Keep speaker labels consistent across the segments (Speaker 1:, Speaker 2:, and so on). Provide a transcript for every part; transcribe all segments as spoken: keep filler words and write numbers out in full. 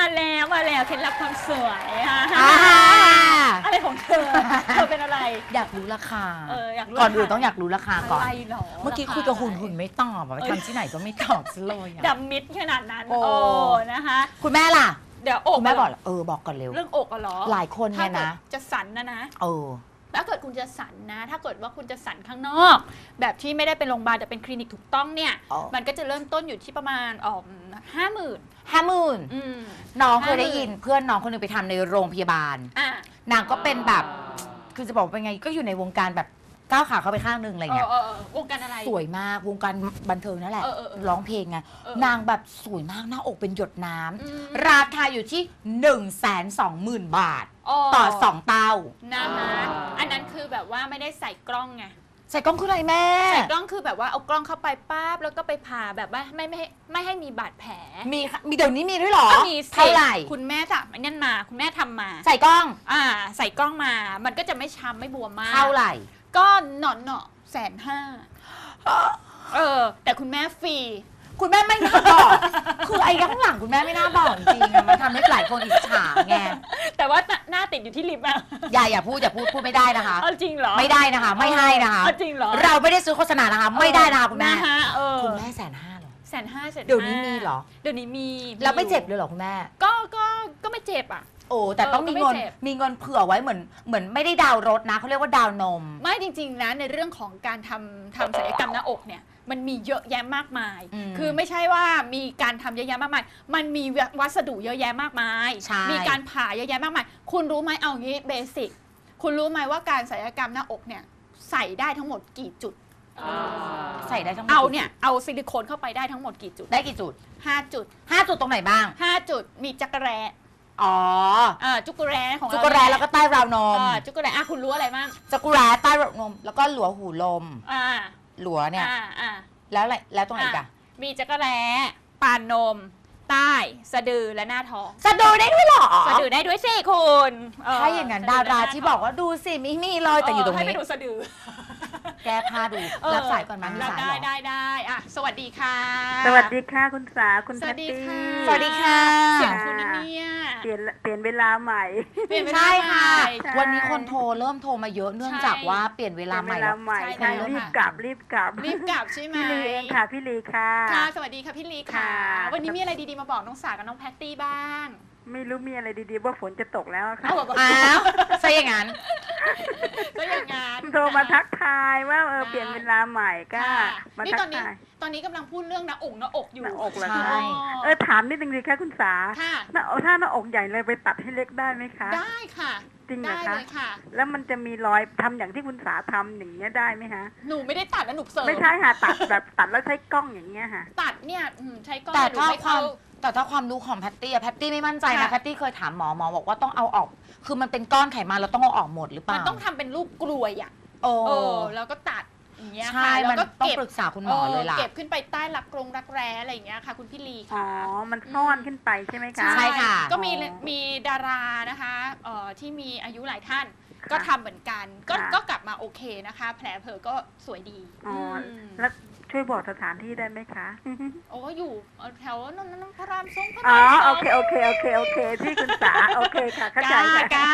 Speaker 1: แล้วมาแล้วเคล็ดลับความสวยค่ะ
Speaker 2: อ่า
Speaker 1: อะไรของเธอเธอเป็นอะไร
Speaker 2: อยากรู้ราคา
Speaker 1: เอออยากรู้
Speaker 2: ก่อนอื่น
Speaker 1: ราคา
Speaker 2: ต้องอยากรู้ราคาก่อน
Speaker 1: อะไรหรอ
Speaker 2: เมื่อกี้
Speaker 1: ราา
Speaker 2: คุยกับหุ่นหุ่น
Speaker 1: อะไร
Speaker 2: ไม่ตอบอะทำที่ไหนก็ไม่ตอบซะเลยอะ
Speaker 1: ดำมิดขนาดนั้น
Speaker 2: โอ้
Speaker 1: โอ้นะคะ
Speaker 2: คุณแม่ล่ะ
Speaker 1: เดี๋ยวอก
Speaker 2: คุณแม่บอก
Speaker 1: เหร
Speaker 2: เออบอกก่อนเร็ว
Speaker 1: เรื่องอกอะเหรอ
Speaker 2: หลายคนเนี่ยนะ
Speaker 1: ถ้ากิดจะสันนะนะ
Speaker 2: เออ
Speaker 1: ถ้าเกิดคุณจะสันนะ ถ้าเกิดว่าคุณจะสันข้างนอก แบบที่ไม่ได้เป็นโรงพยาบาลแต่เป็นคลินิกถูกต้องเนี่ย
Speaker 2: อ๋อ
Speaker 1: มันก็จะเริ่มต้นอยู่ที่ประมาณอ๋อห้าหมื่น
Speaker 2: ห้าหมื่น
Speaker 1: อืม
Speaker 2: น้องเคยได้
Speaker 1: ห้าหมื่น
Speaker 2: ยินเพื่อนน้องคนหนึงไปทำในโรงพยาบาล
Speaker 1: อ่ะ
Speaker 2: นางก็เป็นแบบ คือจะบอกว่าเป็นไงก็อยู่ในวงการแบบก้าวขาเข้าไปข้างหนึงอะไร
Speaker 1: เอ
Speaker 2: เงี้
Speaker 1: อย เออเออวงการอะไร
Speaker 2: สวยมากวงการบันเทิงนั่นแหละ
Speaker 1: เออเออเออ
Speaker 2: ร้องเพลงไง
Speaker 1: เออ
Speaker 2: นางแบบสวยมากหน้าอกเป็นหยดน้ำ
Speaker 1: อืม
Speaker 2: ราคาอยู่ที่ หนึ่งแสนสองหมื่น บาท ต่อสองเต้า
Speaker 1: นะคะอันนั้นคือแบบว่าไม่ได้ใส่กล้องไง
Speaker 2: ใส่กล้องคืออะไรแม่
Speaker 1: ใส่กล้องคือแบบว่าเอากล้องเข้าไปปั๊บแล้วก็ไปผ่าแบบว่าไม่ไม่ให้ไม่ให้มีบาดแผล
Speaker 2: มีค่ะมีเดี๋ยวนี้มีด้วยเหรอ
Speaker 1: ก็มีสิ
Speaker 2: เท่าไหร่
Speaker 1: คุณแม่ทำอันนั่นมา คุณแม่ทำมา
Speaker 2: ใส่กล้อง
Speaker 1: อ่า ใส่กล้องมา มันก็จะไม่ช้ำไม่บวมมาก
Speaker 2: เท่าไหร่
Speaker 1: ก็หนอนเนาะแสนห้าเออ แต่คุณแม่ฟรี
Speaker 2: คุณแม่ไม่น่าบอก คือไอ้ข้างหลังคุณแม่ไม่น่าบอกจริงๆอะมันทำให้หลายคนอิจฉาไง
Speaker 1: แต่ว่าหน้าติดอยู่ที่ลิฟต์อะ
Speaker 2: อย่าอย่าพูดอย่าพูดพูดไม่ได้นะคะ
Speaker 1: เอาจริงเหรอ
Speaker 2: ไม่ได้นะคะ ไม่ให้นะคะ
Speaker 1: เอาจริงเหรอ
Speaker 2: เราไม่ได้ซื้อโฆษณานะคะ ไม่ได้นะคะคุณแม่
Speaker 1: นะฮะเออ
Speaker 2: คุณแม่แสนห้าเหรอ
Speaker 1: แสนห้าแสน
Speaker 2: เดี๋ยวนี้มีเหรอ
Speaker 1: เดี๋ยวนี้มี
Speaker 2: แล้วไม่เจ็บเลยเหรอคุณแม่
Speaker 1: ก็ก็ก็ไม่เจ็บอ่ะ
Speaker 2: โอ้แต่ต้องมีเงิน
Speaker 1: เออก็ไม่เจ็บ
Speaker 2: มีเงินเผื่อไว้เหมือนเหมือนไม่ได้ดาวน์รถนะเขาเรียกว่าดาวนม
Speaker 1: ไม่จริงๆนะในเรื่องของการทำทำศัลยกรรมหน้าอกเนี่ยมันมีเยอะแยะมากมาย
Speaker 2: อืม
Speaker 1: คือไม่ใช่ว่ามีการทำเยอะแยะมากมาย มันมีวัสดุเยอะแยะมากมาย
Speaker 2: ใช่
Speaker 1: มีการผ่าเยอะแยะมากมาย คุณรู้ไหมเอางี้เบสิกคุณรู้ไหมว่าการศัลยกรรมหน้าอกเนี่ยใส่ได้ทั้งหมดกี่จุด
Speaker 2: ใส่ได้ทั้งหมด
Speaker 1: เอาเนี่ยเอาซิลิโคนเข้าไปได้ทั้งหมดกี่จุด
Speaker 2: ได้กี่จุด
Speaker 1: ห้าจุด
Speaker 2: ห้าจุดตรงไหนบ้าง
Speaker 1: ห้าจุดมีจักรแร้
Speaker 2: อ๋อ
Speaker 1: อ่าจุกแร้ของเรา
Speaker 2: จุกแร้แล้วก็ใต้ราวนม
Speaker 1: อ่าจุกแร้อ่ะคุณรู้อะไรบ้าง
Speaker 2: จักรแร้ใต้ราวนม แล้วก็หลัวหูลม
Speaker 1: อ่า
Speaker 2: หลัวเนี่ย
Speaker 1: อ่าอ่า
Speaker 2: แล้วอะไรแล้วตรงไหนอีกอะ
Speaker 1: มีจักรแร้ปานนม ใต้ สะดือและหน้าท้อง
Speaker 2: สะดือได้ด้วยเหรอ
Speaker 1: สะดือได้ด้วยสิคุณเ
Speaker 2: ถ้าอย่างนั้น
Speaker 1: สะ
Speaker 2: ดา
Speaker 1: และ
Speaker 2: รา
Speaker 1: หน้
Speaker 2: ที่บอกว่าดูสิมีมีรอยแต่อยู่ตรง
Speaker 1: ให้ไป
Speaker 2: นี้
Speaker 1: ดูสะดือ
Speaker 2: แก้ผ้าดู
Speaker 1: เออ
Speaker 2: รับสายก่อนมั้ยมี
Speaker 1: รับ
Speaker 2: สาย
Speaker 1: ได้
Speaker 2: เหรอ
Speaker 1: ได้ได้อ่ะสวัสดีค่ะ
Speaker 3: สวัสดีค่ะคุณสาคุณ
Speaker 1: ส
Speaker 3: แพ
Speaker 1: วั
Speaker 3: ต
Speaker 1: สดี
Speaker 3: ตี้
Speaker 1: ค่ะ
Speaker 2: สวัสดีค่ะ
Speaker 1: เสียงคุณนะเนี่ย
Speaker 3: เปลี่ยนเปลี่ยนเวลาใหม่
Speaker 1: เปลี่ยนเวลา
Speaker 2: ใช่ค่ะ
Speaker 1: ใหม่
Speaker 3: ใช่
Speaker 2: วันนี้คนโทรเริ่มโทรมาเยอะเนื่องจากว่าเปลี่ยนเว
Speaker 3: เปลี่
Speaker 2: ลาย
Speaker 3: น
Speaker 2: ให
Speaker 3: เว
Speaker 2: ม่
Speaker 3: ลา
Speaker 2: แล้ว
Speaker 3: ใหม่
Speaker 1: ใช่
Speaker 3: ใช่
Speaker 1: แล้ว
Speaker 3: รีบ
Speaker 1: ค่ะ
Speaker 3: กลับรีบกลับ
Speaker 1: รีบกลับใช่ไหม
Speaker 3: พี่ลีเองค่ะพี่ลีค่ะ
Speaker 1: ค่ะสวัสดีค่ะพี่ลีค่ะ
Speaker 3: ค่ะ
Speaker 1: วันนี้มีอะไรดีๆมาบอกน้องสากับน้องแพตตี้บ้าง
Speaker 3: ไม่รู้มีอะไรดีๆว่าฝนจะตกแล้วอะค่ะ
Speaker 1: เอาแบบ
Speaker 2: อ้าวซะอย่างนั้น
Speaker 1: ก็อย่างงั้น
Speaker 3: โทรมาทัก
Speaker 1: นะ
Speaker 3: ทายว่าเออ
Speaker 1: ได้
Speaker 3: เปลี่ยนเวลาใหม่ก็
Speaker 1: ค่ะ
Speaker 3: มา
Speaker 1: นี่
Speaker 3: ทั
Speaker 1: ตอก นนี้
Speaker 3: ทาย
Speaker 1: ตอนนี้กำลังพูดเรื่องหน้าอกหน้าอกอยู่
Speaker 3: หน้าอกเหรอ
Speaker 2: ใช่
Speaker 3: คะเออถามนิดนึงดีค่ะคุณสา
Speaker 1: ค่ะ
Speaker 3: หน้าอกถ้าหน้าอกใหญ่เลยไปตัดให้เล็กได้ไหมคะ
Speaker 1: ได้ค่ะ
Speaker 3: จริงเหร
Speaker 1: ได้
Speaker 3: อคะ
Speaker 1: เลยค่ะ
Speaker 3: แล้วมันจะมีรอยทำอย่างที่คุณสาทำอย่างเงี้ยได้ไหมคะ
Speaker 1: หนูไม่ได้ตัดนะหนูเสริม
Speaker 3: ไม่ใช่ค่ะตัดแบบตัดแล้วใช้กล้องอย่างเงี้ยค่ะ
Speaker 1: ตัดเนี่ยอืมใช้กล้อง
Speaker 2: แต่
Speaker 1: หนู
Speaker 2: ถ้า
Speaker 1: ไม่
Speaker 2: ควา
Speaker 1: เข้าม
Speaker 2: แต่ถ้าความรู้ของแพตตี้อะแพตตี้ไม่มั่นใจนะ
Speaker 1: ค่ะ
Speaker 2: แพตตี้เคยถามหมอหมอบอกว่าต้องเอาออก คือมันเป็นก้อนไขมันเราต้องเอาออกหมดหรือเป
Speaker 1: มัน
Speaker 2: ล่า
Speaker 1: ต้องทำเป็นรูปกลวยอ่ะ
Speaker 2: โอ้
Speaker 1: เออแล้วก็ตัดอย่างเงี้ย
Speaker 2: ใช่
Speaker 1: ค่ะแล้ว
Speaker 2: มัน
Speaker 1: ก็
Speaker 2: ต้อง
Speaker 1: เก็บ
Speaker 2: ปรึกษาคุณหมอเลยล่ะ
Speaker 1: เก็บขึ้นไปใต้รักกรงรักแร้อะไรอย่างเงี้ยค่ะ คุณพี่ลี
Speaker 3: อ๋อ
Speaker 1: ค่ะ
Speaker 3: มันซ่อนขึ้นไปใช่ไหมคะ
Speaker 2: ใช่ค่ะ
Speaker 1: ก็มี
Speaker 3: อ๋อ
Speaker 1: มีดารานะคะเอ่อที่มีอายุหลายท่าน
Speaker 3: ค่ะ
Speaker 1: ก็ทำเหมือนกัน ก็
Speaker 3: ค่ะ
Speaker 1: ก็กลับมาโอเคนะคะ แผลเผลอก็สวยดี
Speaker 3: อ๋ออ
Speaker 1: ม
Speaker 3: แล้วช่วยบอกสถานที่ได้ไหมคะ
Speaker 1: โอ้อยู่แถวนนท์พระรามสองพระ
Speaker 3: อ๋อ
Speaker 1: รามสอง
Speaker 3: โอเคโอเคโอเคโอเคที่คุณสาโอเคค่ะเข้าใจ
Speaker 1: กล้า
Speaker 3: ค่ะ
Speaker 1: กล้า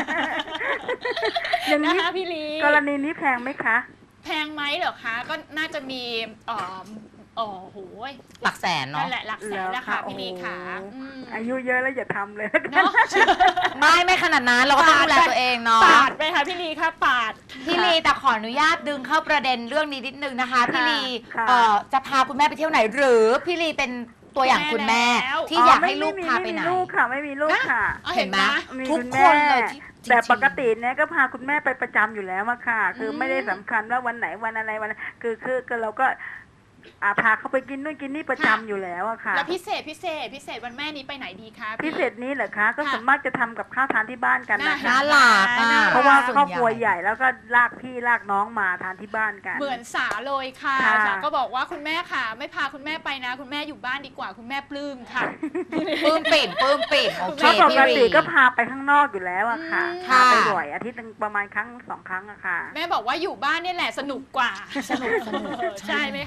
Speaker 3: อย่าง
Speaker 1: นะ
Speaker 3: นี้
Speaker 1: คะพี่ลี
Speaker 3: กรณีนี้แพงไหมคะ
Speaker 1: แพงไหมเหรอคะ ก็น่าจะมีเอ่อเอ๋อโหย
Speaker 2: หลักแสน
Speaker 1: นั่
Speaker 2: เนาะ
Speaker 1: นแหละหลักแสนแล้วค่ะพี่ลีค่ะ
Speaker 3: โอ้โห
Speaker 1: อืม
Speaker 3: อายุเยอะแล้วอย่าทำเลย
Speaker 1: เนาะ
Speaker 2: ไม่ไม่ขนาดนั้นเราก็ต้องดูแลตัวเองเนาะ
Speaker 1: ปาดไปค่ะพี่ลีค่ะปาด
Speaker 2: พี่ลีแต่ขออนุญาตดึงเข้าประเด็นเรื่องนี้นิดนึงนะคะ พี่ลี
Speaker 3: ค่ะ
Speaker 2: เอ่อจะพาคุณแม่ไปเที่ยวไหน หรือพี่ลีเป็นตัวอย่างคุณแม่
Speaker 1: แล้ว
Speaker 2: ที่อยากให้ลูกพาไปไหน
Speaker 3: ม่มีลูกค่ะ ไม่มีลูกค่ะ
Speaker 1: อ๋อเห็นไหม
Speaker 3: มี
Speaker 2: ทุก
Speaker 3: ณ
Speaker 2: ค
Speaker 3: แม่
Speaker 2: นเลยที่จริงๆ
Speaker 3: แต่ปกติเนี่ยก็พาคุณแม่ไปประจำอยู่แล้วอะค่ะ คืออ
Speaker 1: ม
Speaker 3: ไม่ได้สำคัญว่าวันไหนวันอะไรวันคือคือคือเราก็อ่าพาเขาไปกินนู่นกินนี่ประจำอยู่แล้วอะค่ะ
Speaker 1: แล้วพิเศษพิเศษพิเศษวันแม่นี้ไปไหนดีคะพี่
Speaker 3: พิเศษนี้เหรอคะ ก็
Speaker 1: ค่ะ
Speaker 3: ส่วนมากจะทำกับข้าวทานที่บ้านกันนะ
Speaker 1: น่า
Speaker 3: คะ
Speaker 2: น่ารักอ่ะ
Speaker 1: น่ารัก
Speaker 3: เพราะว่า
Speaker 2: ส่น
Speaker 3: ครอบครัว
Speaker 2: ใหญ่
Speaker 3: ใหญ่แล้วก็ลากพี่ลากน้องมาทานที่บ้านกัน
Speaker 1: เหมือนสาเลยค่ะ
Speaker 3: ค่ะ
Speaker 1: สาก็บอกว่าคุณแม่ค่ะ ไม่พาคุณแม่ไปนะ คุณแม่อยู่บ้านดีกว่าคุณแม่ปลื้มค่ะ
Speaker 2: ปลื้มปิ่มปลื้มปิ่มโอเค
Speaker 3: เพราะป
Speaker 2: พี่
Speaker 3: ก
Speaker 2: ลี
Speaker 3: ติก็พาไปข้างนอกอยู่แล้วอะค่ะ
Speaker 1: อืม
Speaker 3: พาไป
Speaker 2: ค่ะ
Speaker 3: บ่อยอาทิตย์หนึงประมาณครั้งสองครั้งอะค่ะ
Speaker 1: แม่บอกว่าอยู่บ้านนี่แหละสนุกกว่า
Speaker 2: สนุกสนุก
Speaker 1: ใช่ไหมคะ
Speaker 3: ค่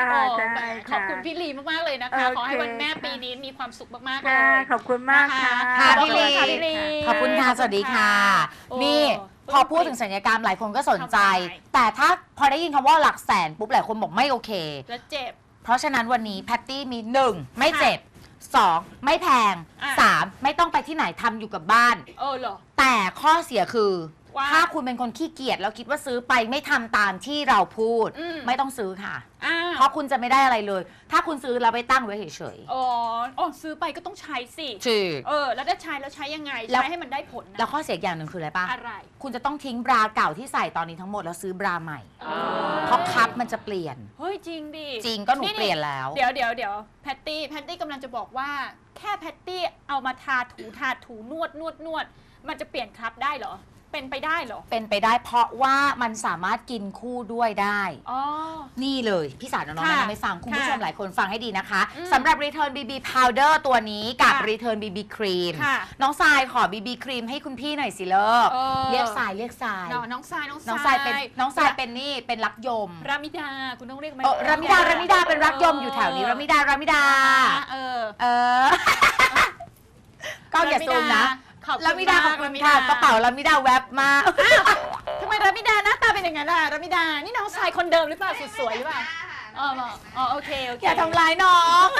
Speaker 3: ค่ะ
Speaker 1: โอ้
Speaker 3: ใช่
Speaker 1: แหมขอบคุณพี่ลีมากๆเลยนะคะ
Speaker 3: โอเค
Speaker 1: ขอให้วันแม่ปีนี้มีความสุขมากๆเล
Speaker 3: ค่ะ
Speaker 1: ย
Speaker 3: ขอบคุณมากค่ะ
Speaker 2: ค่ะ
Speaker 1: ขอบ
Speaker 2: พี่
Speaker 1: คุณ
Speaker 2: ลี
Speaker 1: ค่ะพี่ลี
Speaker 2: ขอบคุณค่ะสวัสดีค่ะ
Speaker 1: โอ้
Speaker 2: นี่พอพูดถึงศัลยกรรมหลายคนก็สนใจ
Speaker 1: ทำไม
Speaker 2: แต่ถ้าพอได้ยินคำว่าหลักแสนปุ๊บหลายคนบอกไม่โอเค
Speaker 1: แล้วเจ็บ
Speaker 2: เพราะฉะนั้นวันนี้แพตตี้มี หนึ่ง ไม่เจ็บ สอง ไม่แพง
Speaker 1: อ่ะ
Speaker 2: สาม ไม่ต้องไปที่ไหนทำอยู่กับบ้าน
Speaker 1: เออเหรอ
Speaker 2: แต่ข้อเสียคือ
Speaker 1: ว่า
Speaker 2: ถ้าคุณเป็นคนขี้เกียจแล้วคิดว่าซื้อไปไม่ทำตามที่เราพูด
Speaker 1: อืม
Speaker 2: ไม่ต้องซื้อค่ะ
Speaker 1: อ้าว
Speaker 2: เพราะคุณจะไม่ได้อะไรเลย ถ้าคุณซื้อแล้วไปตั้งไว้เฉย
Speaker 1: อ๋ออ๋อซื้อไปก็ต้องใช้สิ
Speaker 2: ๆจืด
Speaker 1: เออ แล้วได้ใช้แล้วใช้ยังไง
Speaker 2: แล้ว
Speaker 1: ใช้ให้มันได้ผลนะ
Speaker 2: แล้วข้อเสียอย่างหนึ่งคืออะไรปะ
Speaker 1: อะไร
Speaker 2: คุณจะต้องทิ้งบราเก่าที่ใส่ตอนนี้ทั้งหมดแล้วซื้อบราใหม่
Speaker 1: อ๋อ
Speaker 2: เพราะคัพมันจะเปลี่ยน
Speaker 1: เฮ้ยจริงดิ
Speaker 2: จริงก็หนูเปลี่ยนแล้ว
Speaker 1: เดี๋ยวเดี๋ยวเดี๋ยวแพตตี้แพตตี้กำลังจะบอกว่าแค่แพตตี้เอามาทาถูทาถูนวดนวดนวดมันจะเปลี่ยนครับได้เหรอ เป็นไปได้เหรอ
Speaker 2: เป็นไปได้เพราะว่ามันสามารถกินคู่ด้วยได้
Speaker 1: อ๋อ
Speaker 2: นี่เลยพี่สาวน้องๆ
Speaker 1: ค่ะ
Speaker 2: แนะนำให้ฟังคุณผู้ชม
Speaker 1: ค่ะ
Speaker 2: หลายคนฟังให้ดีนะคะ
Speaker 1: อืม
Speaker 2: สำหรับ Return บี บี Powder ตัวนี้กับ
Speaker 1: ค่ะ
Speaker 2: Return บี บี Cream
Speaker 1: ค่ะ
Speaker 2: น้องทรายขอ บี บี Cream ให้คุณพี่หน่อยสิเลิก
Speaker 1: เออ
Speaker 2: เรียกทรายเรียกทราย
Speaker 1: น้องน้องทรายน้อง
Speaker 2: น้องทรายเป็นน้องทรายเป็นนี่เป็นรักยม
Speaker 1: รามิดาคุณต้องเรียกมัน
Speaker 2: เออรามิดารามิดาเป็นรักยมอยู่แถวนี้รามิดารามิดา
Speaker 1: เออ
Speaker 2: เออ ก็อย่าซูมนะ
Speaker 1: ขอบคุณ
Speaker 2: รามิดาขอบ
Speaker 1: ม
Speaker 2: คุณค่ะกระเป๋ารามิดาแวบมา
Speaker 1: ทำไมรามิดาหน้าตาเป็นอย่างนั้นล่ะรามิดา นี่น้องทรายคนเดิมหรือเปล่าสุดสวยหรือเปล่าอ๋ออ๋อโอเคโอเค
Speaker 2: อย่าทำร้ายน้อง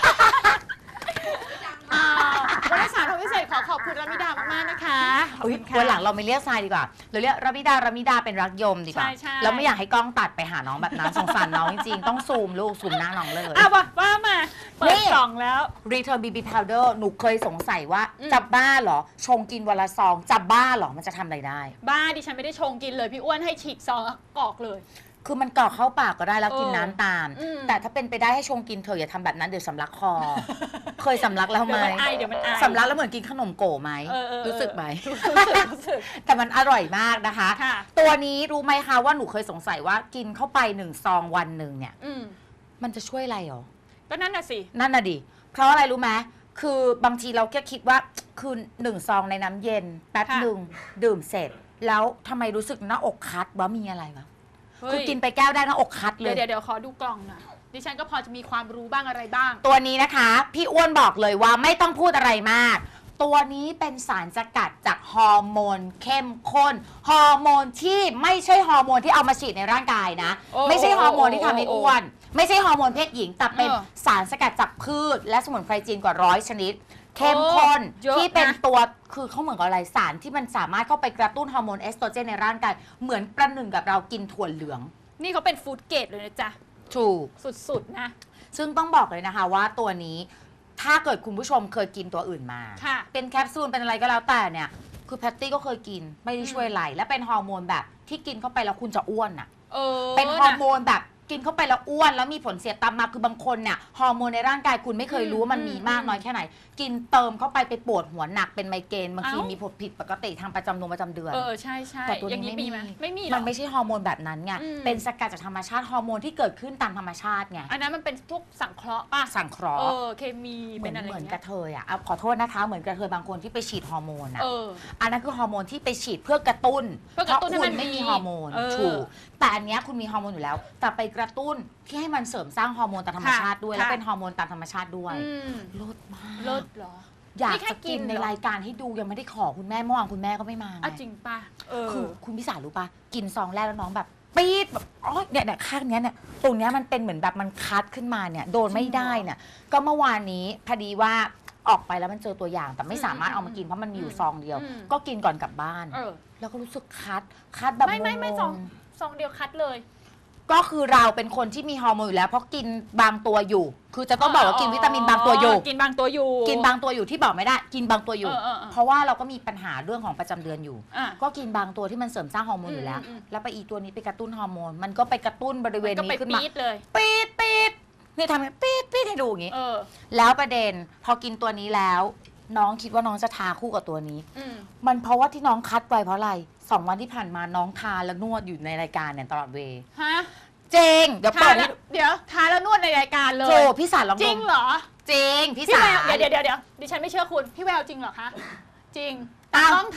Speaker 1: อ่าวันนี้สารทำพิเศษขอขอบคุณรามิดามากๆนะคะขอบ
Speaker 2: อุ๊ย
Speaker 1: คุณค่ะ
Speaker 2: วันหลังเราไม่เรียกทรายดีกว่า เราเรียกรามิดารามิดาเป็นรักยมดีกว่า
Speaker 1: ใช่ใช่
Speaker 2: แล้วไม่อยากให้กล้องตัดไปหาน้องแบบนั้นสงสารน้องจริงๆ ต้องซูมลูกซูมหน้าน้องเลย
Speaker 1: อ่ะว่าว่ามาเปิ
Speaker 2: นี่
Speaker 1: ดกล่องแล้ว
Speaker 2: Return บี บี Powder หนูเคยสงสัยว่า
Speaker 1: อืม
Speaker 2: จับบ้าเหรอ ชงกินวันละซอง จับบ้าเหรอ มันจะทำอะไรได้
Speaker 1: บ้าดิฉันไม่ได้ชงกินเลยพี่อ้วนให้ฉีกซองกรอกเลย
Speaker 2: คือมันกรอกเข้าปากก็ได้แล้วกิน
Speaker 1: เออ
Speaker 2: น้ำตาม
Speaker 1: อืม
Speaker 2: แต่ถ้าเป็นไปได้ให้ชงกินเธอะอย่าทำแบบนั้นเดี๋ยวสำลักคอ เคยสำลักแล้วไหม
Speaker 1: เดี๋ยวมันไอเดี๋ยวมันไอ
Speaker 2: สำลักแล้วเหมือนกินขนมโก๋ไหม
Speaker 1: เออเออเออ
Speaker 2: รู้สึกไหม
Speaker 1: รู้สึกรู้สึก
Speaker 2: แต่มันอร่อยมากนะคะ
Speaker 1: ค่ะ
Speaker 2: ตัวนี้รู้ไหมคะว่าหนูเคยสงสัยว่ากินเข้าไปหนึ่งซองวันหนึ่งเนี่ย
Speaker 1: อืม
Speaker 2: มันจะช่วยอะไรหรอ
Speaker 1: ก็นั่นน่ะสิ
Speaker 2: นั่นน่ะดิ เพราะอะไรรู้ไหมคือบางทีเราแค่คิดว่าคือหนึ่งซองในน้ำเย็นแป๊บหนึ่งดื่มเสร็จ แล้วทำไมรู้สึกหน้าอกคัดว่ามีอะไรวะ
Speaker 1: เฮ้ย
Speaker 2: คือกินไปแก้วได้หน้าอกคัดเล
Speaker 1: เดี๋ยวย เดี๋ยวเดี๋ยวขอดูกล่องหน่อยดิฉันก็พอจะมีความรู้บ้างอะไรบ้าง
Speaker 2: ตัวนี้นะคะ พี่อ้วนบอกเลยว่าไม่ต้องพูดอะไรมาก ตัวนี้เป็นสารสกัดจากฮอร์โมนเข้มข้น ฮอร์โมนที่ไม่ใช่ฮอร์โมนที่เอามาฉีดในร่างกายนะ
Speaker 1: โอ้
Speaker 2: ไม่ใช่ฮอร์โมนที่ทำให้
Speaker 1: โอ้
Speaker 2: อ้วน ไม่ใช่ฮอร์โมนเพศหญิง แต่เป็น
Speaker 1: เออ
Speaker 2: สารสกัดจากพืช และสมุนไพรจีนกว่าร้อยชนิด เข้มข้น
Speaker 1: โอ้เยอะ
Speaker 2: ที่เป็น
Speaker 1: นะ
Speaker 2: ตัวคือเขาเหมือนกับอะไรสารที่มันสามารถเข้าไปกระตุ้นฮอร์โมนเอสโตรเจนในร่างกายเหมือนประหนึ่งกับเรากินถั่วเหลือง
Speaker 1: นี่เขาเป็นฟู้ดเกรดเลยนะจ๊ะ
Speaker 2: ถูก
Speaker 1: สุดๆนะ
Speaker 2: ซึ่งต้องบอกเลยนะคะว่าตัวนี้ถ้าเกิดคุณผู้ชมเคยกินตัวอื่นมา
Speaker 1: ค่ะ
Speaker 2: เป็นแคปซูลเป็นอะไรก็แล้วแต่เนี่ย คือแพตตี้ก็เคยกินไม่ได้ช่วยอะไร และเป็นฮอร์โมนแบบที่กินเข้าไปแล้วคุณจะอ้วนอะ
Speaker 1: เออ
Speaker 2: เป็นฮอร์โมนแบบกินเข้าไปแล้วอ้วนแล้วมีผลเสียตามมาคือบางคนเนี่ยฮอร์โมนในร่างกายคุณไม่เคยรู้ว่ามันมีมากน้อยแค่ไหน กินเติมเข้าไปไปปวดหัวหนักเป็นไมเกรนบางทีมีผลผิดปกติทางประจำเดือนประจำเดือน
Speaker 1: เออใช่ใช่
Speaker 2: แต่ตัว
Speaker 1: อย่าง
Speaker 2: นี้
Speaker 1: นี้
Speaker 2: ไม่
Speaker 1: มี
Speaker 2: มี
Speaker 1: ไหมไม่มีหร
Speaker 2: มั
Speaker 1: อน
Speaker 2: ไม่ใช่ฮอร์โมนแบบนั้นไง
Speaker 1: อืม
Speaker 2: เป็นสกัดจากธรรมชาติฮอร์โมนที่เกิดขึ้นตามธรรมชาติไง
Speaker 1: อันนั้นมันเป็นพวกสังเคราะห์ป่ะ
Speaker 2: สังเคราะ
Speaker 1: เอ
Speaker 2: ห์
Speaker 1: อเคมี
Speaker 2: เหมื
Speaker 1: เป็
Speaker 2: อน
Speaker 1: นอะไร
Speaker 2: เหมือน
Speaker 1: เงี้
Speaker 2: กระ
Speaker 1: ย
Speaker 2: เทยอ่ะเอาขอโทษนะคะเหมือนกระเทยบางคนที่ไปฉีดฮอร์โมนอ่ะ
Speaker 1: เออ
Speaker 2: อันนั้นคือฮอร์โมนที่ไปฉีดเพื่อกระตุ้น
Speaker 1: เพื่อกระตุ้นให้
Speaker 2: คุ
Speaker 1: มั
Speaker 2: ณ
Speaker 1: น
Speaker 2: ไม่
Speaker 1: มี
Speaker 2: มีฮอร์โมน
Speaker 1: เออ
Speaker 2: ถูกแต่อันเนี้ยคุณมีฮอร์โมนอยู่แล้ว แต่ไปกระตุ้นที่ให้มันเสริมสร้างฮอร์โมนตามธรรมชาติด้วย
Speaker 1: ค่ะ
Speaker 2: แล้วเป็นฮอร์โมนตามธรรมชาติด้วย
Speaker 1: อืม
Speaker 2: ลดมาก
Speaker 1: ลดเหรอ
Speaker 2: อยาก
Speaker 1: นี่แค่
Speaker 2: จะ
Speaker 1: กิ
Speaker 2: กิน
Speaker 1: น
Speaker 2: ใน
Speaker 1: เหรอ
Speaker 2: รายการให้ดูยังไม่ได้ขอคุณแม่เมื่อวานคุณแม่ก็ไม่มาไง
Speaker 1: อ่ะจริงป่ะเออ
Speaker 2: คือคุณพิสารรู้ป่ะกินซองแรกแล้วน้องแบบปี๊ดแบบอ๋อเนี่ยเนี่ยข้างเนี้ยเนี่ยตรงเนี้ยมันเป็นเหมือนแบบมันคัดขึ้นมาเนี่ยโดนไม่ได้เนี่ยก็เมื่อวานนี้พอดีว่าออกไปแล้วมันเจอตัวอย่างแต่ไม่สามารถเอามากินเพราะมันมีอยู่ซองเดียว
Speaker 1: อืม
Speaker 2: ก็กินก่อนกลับบ้าน
Speaker 1: เออ
Speaker 2: แล้วก็รู้สึกคัดคัดแบบ
Speaker 1: ไม่ไม่ไม่
Speaker 2: งงๆ
Speaker 1: ซองซองเดียวคัดเลย
Speaker 2: ก็คือเราเป็นคนที่มีฮอร์โมนอยู่แล้วเพราะกินบางตัวอยู่ คือจะต้องบอกว่ากินวิตามินบางตัวอยู่
Speaker 1: กินบางตัวอยู่
Speaker 2: กินบางตัวอยู่ที่บอกไม่ได้ กินบางตัวอยู่
Speaker 1: เออเออเออ
Speaker 2: เพราะว่าเราก็มีปัญหาเรื่องของประจำเดือนอยู่
Speaker 1: อ่ะ
Speaker 2: ก็กินบางตัวที่มันเสริมสร้างฮอร์โมนอยู่แล้ว
Speaker 1: อืมอืม
Speaker 2: แล้วไปอีตัวนี้ไปกระตุ้นฮอร์โมน มันก็ไปกระตุ้นบริเวณ
Speaker 1: ก็
Speaker 2: นี้
Speaker 1: ไป
Speaker 2: ขึ้นมา
Speaker 1: ปี๊ดเลย
Speaker 2: ปี๊ดปี๊ดนี่ทำให้ปี๊ดปี๊ดให้ดูอย่างนี้
Speaker 1: เออ
Speaker 2: แล้วประเด็นพอกินตัวนี้แล้ว น้องคิดว่าน้องจะทาคู่กับตัวนี้
Speaker 1: อืม
Speaker 2: มันเพราะว่าที่น้องคัดไปเพราะอะไรสองวันที่ผ่านมาน้องทาและนวดอยู่ในรายการเนี่ยตลอดเวย์
Speaker 1: ฮะ
Speaker 2: เจงเดี๋ยว
Speaker 1: ทา
Speaker 2: เปิด
Speaker 1: แล้
Speaker 2: ให้
Speaker 1: วเดี๋ยวทาแล้วนวดในรายการเลย
Speaker 2: โจพี่สารลอง
Speaker 1: จ
Speaker 2: ด
Speaker 1: ริง
Speaker 2: ม
Speaker 1: เหรอ
Speaker 2: เจงพี่
Speaker 1: พี่
Speaker 2: สา
Speaker 1: แว
Speaker 2: ร
Speaker 1: วเดี๋ยวเดี๋ยวเดี๋ยวดิฉันไม่เชื่อคุณ พี่แววจริงเหรอคะ จริง
Speaker 2: อ้าว
Speaker 1: ต้องถ่าย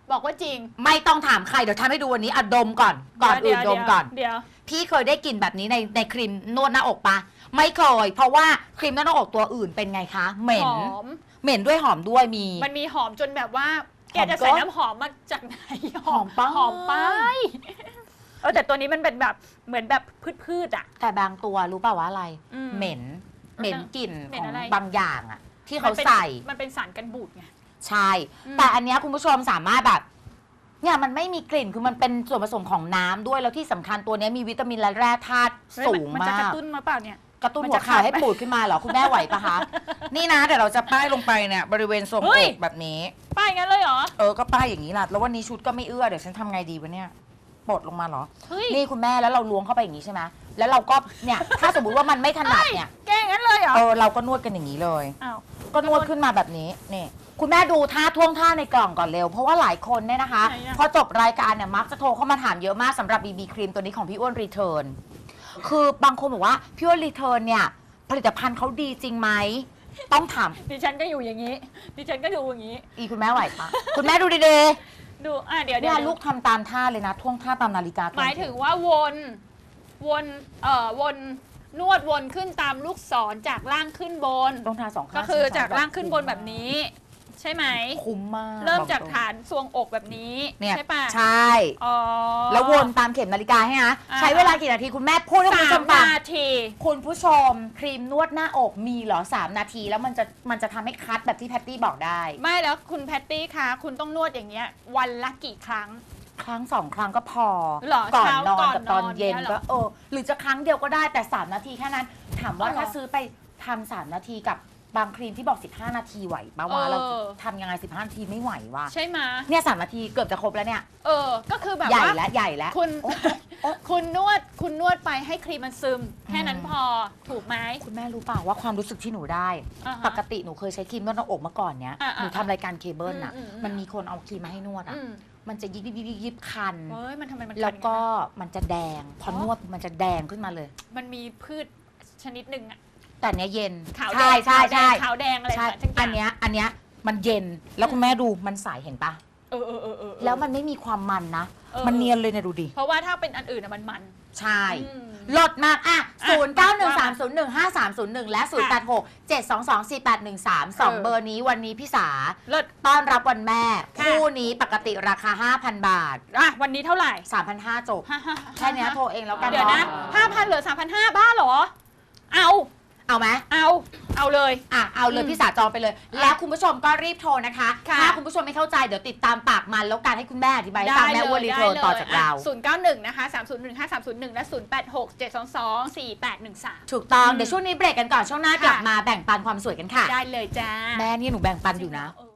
Speaker 1: บอกว่าจริง
Speaker 2: ไม่ต้องถามใครเดี๋ยวทำให้ดูวันนี้อะดมก่อนก่อนอื่นดมก่อน
Speaker 1: เดี๋ยว
Speaker 2: พี่เคยได้กลิ่นแบบนี้ในในครีมนวดหน้าอกปะไม่เคย เพราะว่าครีมนวดหน้าอกตัวอื่นเป็นไงคะเหม็น
Speaker 1: หอม
Speaker 2: เหม็นด้วยหอมด้วยมี
Speaker 1: มันมีหอมจนแบบว่า แก
Speaker 2: หอม
Speaker 1: จะใส่
Speaker 2: ก็
Speaker 1: น้ำหอมมาจากไหน
Speaker 2: หอมไป
Speaker 1: หอมไปเออแต่ตัวนี้มันเป็นแบบเหมือนแบบพืชๆอ่ะ
Speaker 2: แต่บางตัวรู้เปล่าว่าอะไร
Speaker 1: อืม
Speaker 2: เหม็นเหม็นกลิ่น
Speaker 1: เหม็
Speaker 2: ข
Speaker 1: น
Speaker 2: อง
Speaker 1: อะไร
Speaker 2: บางอย่างอะที่เขา
Speaker 1: มันเป็น
Speaker 2: ใส่
Speaker 1: มันเป็นสารกันบูดไง
Speaker 2: ใช่
Speaker 1: อืม
Speaker 2: แต่อันเนี้ยคุณผู้ชมสามารถแบบเนี่ยมันไม่มีกลิ่นคือมันเป็นส่วนผสมของน้ำด้วยแล้วที่สำคัญตัวเนี้ยมีวิตามินและแร่ธาตุสูง
Speaker 1: มัน
Speaker 2: มา
Speaker 1: จะกระ
Speaker 2: ก
Speaker 1: ตุ้นมาเปล่าเนี่ย
Speaker 2: กระตุ้น
Speaker 1: มัน
Speaker 2: หัว
Speaker 1: จะ
Speaker 2: เข่า
Speaker 1: ขาด
Speaker 2: ให้
Speaker 1: ไหม
Speaker 2: ปูดขึ้นมาเหรอ คุณแม่ไหวปะคะ นี่นะเดี๋ยวเราจะป้ายลงไปเนี่ยบริเวณทรง
Speaker 1: เฮ้
Speaker 2: อย กแบบนี้
Speaker 1: ป้ายงั้นเลยเหรอ
Speaker 2: เออก็ป้ายอย่างนี้ล่ะแล้ววันนี้ชุดก็ไม่เอื้อเดี๋ยวฉันทำไงดีวะเนี่ยปลดลงมาเหรอ
Speaker 1: เฮ้ย
Speaker 2: นี่คุณแม่แล้วเราล้วงเข้าไปอย่างนี้ใช่ไหมแล้วเราก็เนี่ยถ้าสมมติว่ามันไม่ถนัดเนี่ย
Speaker 1: แกงั้นเลยเหรอ
Speaker 2: เออเราก็นวดกันอย่างนี้เลย
Speaker 1: อ้าว
Speaker 2: ก็นวดขึ้นมาแบบนี้นี่คุณแม่ดูท่าท่วงท่าในกล่องก่อนเร็ว เพราะว่าหลายคนเนี่ยนะคะ
Speaker 1: ไหนอะ
Speaker 2: พอจบรายการเนี่ยมักจะโทรเข้ามาถามเยอะมากสำหรับ บี บี ครีมตัวนี้ของพี่อ้วนรีเทิร์นคือบางคนบอกว่าพี่อ้วนรีเทิร์นเนี่ยผลิตภัณฑ์เขาดีจริงไหมต้องถาม
Speaker 1: ดิฉันก็อยู่อย่างนี้ ดิฉันก็ดูอย่างนี้
Speaker 2: อีคุณแม่ไหวปะ คุณแม่ดูดี
Speaker 1: ดูอ่ะเดี๋ยว
Speaker 2: ๆ
Speaker 1: เดี๋
Speaker 2: เนี่ย
Speaker 1: วย
Speaker 2: ลูกทำตามท่าเลยนะท่วงท่าตามนาฬิกา
Speaker 1: หมายถึงว่าวนวนเอ่อวนนวดวนขึ้นตามลูกศรจากล่างขึ้นบน
Speaker 2: ต้องทาสองข้าง
Speaker 1: ก็คือจากล่างขึ้นบนแบบนี้ ใช่ไหม
Speaker 2: คุ้มมาก
Speaker 1: เริ่ม
Speaker 2: บอก
Speaker 1: จาก
Speaker 2: ตรง
Speaker 1: ฐานทรวงอกแบบนี้
Speaker 2: เนี่ย
Speaker 1: ใช่ปะ
Speaker 2: ใช่
Speaker 1: อ๋อ
Speaker 2: แล้ววนตามเข็มนาฬิกาให้นะ
Speaker 1: อ่า
Speaker 2: ใช้เวลากี่นาทีคุณแม่พูดให้คุณ
Speaker 1: สา
Speaker 2: ผู้ช
Speaker 1: ม
Speaker 2: มฟัง
Speaker 1: นาที
Speaker 2: คุณผู้ชมครีมนวดหน้าอกมีเหรอสามนาที แล้วมันจะมันจะทำให้คัดแบบที่แพตตี้บอกได้
Speaker 1: ไม่แล้วคุณแพตตี้คะคุณต้องนวดอย่างเงี้ย วันละกี่ครั้ง
Speaker 2: ครั้งสองครั้งก็พอ
Speaker 1: เหรอ
Speaker 2: ก่อน
Speaker 1: เช้าน
Speaker 2: อน
Speaker 1: ก่อน
Speaker 2: กับตอน
Speaker 1: นอน
Speaker 2: เย็น
Speaker 1: เนี่ยเหรอ
Speaker 2: ก็เออหรือจะครั้งเดียวก็ได้แต่สามนาทีแค่นั้น ถามว่า
Speaker 1: อ๋อเหรอ
Speaker 2: ถ้าซื้อไปทำสามนาทีกับบางครีมที่บอกสิบห้านาทีไหวปะวะ
Speaker 1: เออ
Speaker 2: เราทำยังไงสิบห้านาทีไม่ไหววะ
Speaker 1: ใช่ไหมะ
Speaker 2: เนี่ยสามนาทีเกือบจะครบแล้วเนี่ย
Speaker 1: เออ ก็คือแบบ
Speaker 2: ใหญ่
Speaker 1: ว่า
Speaker 2: แล้วใหญ่แล้ว
Speaker 1: คุณ
Speaker 2: โอ๊ะโอ๊ะ
Speaker 1: คุณนวดคุณนวดไปให้ครีมมันซึม แค่นั้น
Speaker 2: อืม
Speaker 1: พอถูกไหม
Speaker 2: คุณแม่รู้เปล่าว่าความรู้สึกที่หนูได้
Speaker 1: อ่าฮะ
Speaker 2: ปกติหนูเคยใช้ครีมนวดหน้าอกมาก่อนเนี้ย
Speaker 1: อ่าๆ
Speaker 2: หนูทำรายการเคเบิลน่ะ
Speaker 1: อืมอืม
Speaker 2: มันมีคนเอาครีมมาให้นวดอ่ะ
Speaker 1: อืม
Speaker 2: มันจะยิบยิบยิบยิบยิบคัน
Speaker 1: เฮ้ยมันทำไมมันคัน
Speaker 2: แล้วก็
Speaker 1: อย่างนั้น
Speaker 2: มันจะแดง พอนวดมันจะแดงขึ้นมาเลย
Speaker 1: อะมันมีพืชชนิดหนึ่งอะ
Speaker 2: แต่อันเนี้ยเย็น
Speaker 1: ขาวแด
Speaker 2: ใช่
Speaker 1: ง
Speaker 2: ใช่ใช่
Speaker 1: ขาวแดงอะไร
Speaker 2: ใช่
Speaker 1: สักอย่าง
Speaker 2: อันเนี้ยอันเนี้ยมันเย็นแล้วคุณแม่ดูมันใสเห็นปะ
Speaker 1: เออเออเออเออ
Speaker 2: แล้วมันไม่มีความมันนะ
Speaker 1: ออ
Speaker 2: มันเนียนเลยเนี่ยดูดิ
Speaker 1: เพราะว่าถ้าเป็นอันอื่นอะมันมัน
Speaker 2: ใช่
Speaker 1: อืม
Speaker 2: ลดมากอ่ะ
Speaker 1: อ่ะ
Speaker 2: ศูนย์เก้าหนึ่งสามศูนย์หนึ่งห้าสามศูนย์หนึ่งและศูนย์แปดหกเจ็ดสองสองสี่แปดหนึ่งสามสอง
Speaker 1: เออ
Speaker 2: เบอร์นี้วันนี้พี่สา
Speaker 1: เลิศ
Speaker 2: ต้อนรับวันแม่
Speaker 1: ค่ะ
Speaker 2: คู่นี้ปกติราคา ห้าพัน บาท
Speaker 1: อ่ะวันนี้เท่าไหร่
Speaker 2: สามพันห้าร้อย จบ
Speaker 1: ฮ่าฮ่า
Speaker 2: แค่เนี้ยโทรเองแล้วกัน
Speaker 1: เดี๋ยวนะ
Speaker 2: เนาะ
Speaker 1: ห้าพันเหลือสามพันห้าบ้าเหรอ เอา
Speaker 2: เอาไหม
Speaker 1: เอา เอาเลย
Speaker 2: อ่ะเอาเลย
Speaker 1: อืม
Speaker 2: พี่สาจองไปเลย แล้วคุณผู้ชมก็รีบโทรนะคะ
Speaker 1: ค่ะ
Speaker 2: ถ้าคุณผู้ชมไม่เข้าใจเดี๋ยวติดตามปากมันแล้วการให้คุณแม่อธิบายให้ฟังแม่อ้วนรีเทิร์นต่อจากเรา
Speaker 1: ศูนย์เก้าหนึ่งนะคะสามศูนย์หนึ่งห้าสามศูนย์หนึ่งและศูนย์แปดหกเจ็ดสองสองสี่แปดหนึ่งสาม
Speaker 2: ถูกต้อง
Speaker 1: อืม
Speaker 2: เดี๋ยวช่วงนี้เบรกกันก่อนช่วงหน้ากลับ
Speaker 1: ค่ะ
Speaker 2: มาแบ่งปันความสวยกันค่ะ
Speaker 1: ได้เลยจ้า
Speaker 2: แม่นี่หนูแบ่งปันอยู่นะ
Speaker 1: เออ